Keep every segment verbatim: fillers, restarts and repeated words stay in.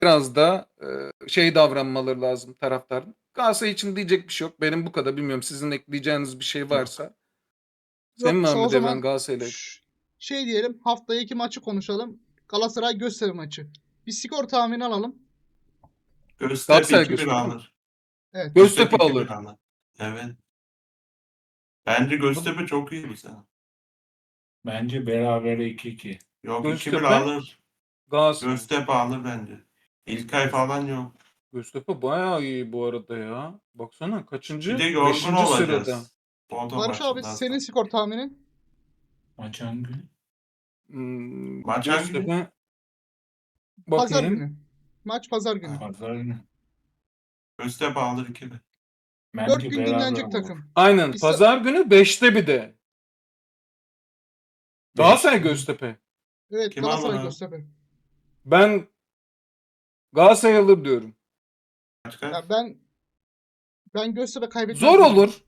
biraz da e, şey davranmaları lazım taraftarın. Galatasaray için diyecek bir şey yok. Benim bu kadar. Bilmiyorum sizin ekleyeceğiniz bir şey Yok. varsa. Senin Yoksa o Mehmet Evren zaman Galatasaray'la. ş- şey diyelim, haftaya iki maçı konuşalım. Galatasaray Göztepe maçı. Bir skor tahmini alalım. Göztepe Galatasaray iki bir Göztepe mi? alır. Evet. Göztepe iki bir alır. alır. Evet. Bence Göztepe çok iyi bu sene. Bence berabere iki iki. Yok iki bir Göztepe alır. Galatasaray. Göztepe alır bence. İlkay falan yok. Göztepe bayağı iyi bu arada ya. Baksana kaçıncı? Bir de yorgun Beşinci sırada. olacağız. Bodo Barış abi maçından senin sonra. skor tahminin? Maç hangi gün? Hmm, Maç hangi gün? Göztepe. Pazar Bakayım. günü. Maç pazar günü. Pazar günü. Göztepe alır iki bir. Bence Dört gün beraber dinlenecek olur. takım. Aynen. Bir sa- Pazar günü beşte bir de. Galatasaray Beşte. Göztepe. Evet, Kim Galatasaray alır? Göztepe. Ben Galatasaray alır diyorum. Kaç kaç? Ya ben ben Göztepe kaybetmez. Zor diyorum. olur.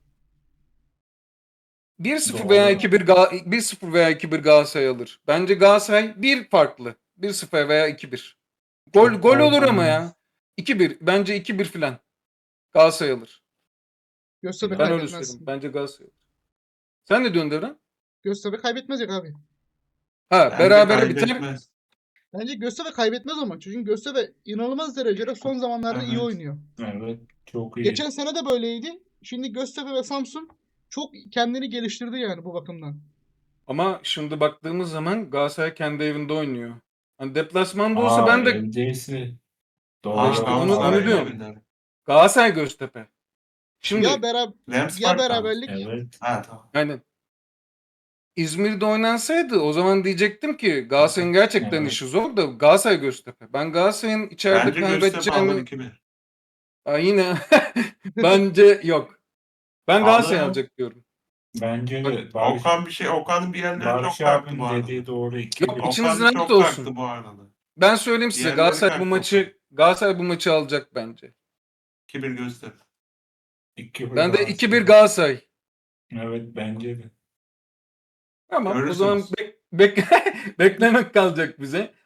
bir sıfır Doğru. veya iki bir Ga- bir sıfır veya iki bir Galatasaray alır. Bence Galatasaray bir farklı. bir sıfır veya iki bir. Gol Çok gol olur farklı ama olmaz. ya. iki bir. Bence iki bir filan. Galatasaray alır. Göztepe Ben öyle kaybetmez. söyleyeyim. Bence Galatasaray alır. Sen ne diyorsun Devran? Göztepe kaybetmeyecek abi. Ha, Bence berabere biter. kaybetmez. Bence Göztepe kaybetmez ama. Çünkü Göztepe inanılmaz derecede son zamanlarda iyi Evet. oynuyor. Evet. Çok iyi. Geçen sene de böyleydi. Şimdi Göztepe ve Samsun çok kendini geliştirdi yani bu bakımdan. Ama şimdi baktığımız zaman Galatasaray kendi evinde oynuyor. Hani deplasmanda olsa Aa, ben de evdeyse. Doğru. Aa, işte onu- onu Galatasaray diyorum. evinde. Galatasaray Göztepe. Şimdi Ya beraber Rams ya Park'ta mı? beraberlik Evet. Ha tamam. yani İzmir'de oynansaydı o zaman diyecektim ki Galatasaray'ın gerçekten Evet. işi zor da Galatasaray Göztepe. Ben Galatasaray'ın içeride Bence Göztepe alır kaybedeceğini iki bir. Aa, yine bence yok. Ben Alır Galatasaray mı? alacak diyorum. Bence Bak, de Barış, Okan bir şey, Okan'ın bir yerleri çok Barış kalktı abinin bu arada. dediği doğru iki Yok, bir. içiniz Okan rahat çok olsun. kalktı bu arada. Ben söyleyeyim size Diğerleri Galatasaray bu kalktı maçı Galatasaray bu maçı alacak bence. iki bir Göztepe. iki bir Ben de iki bir Galatasaray. Galatasaray. Evet bence de. Tamam o Görürsünüz. zaman bek bek beklemek kalacak bize.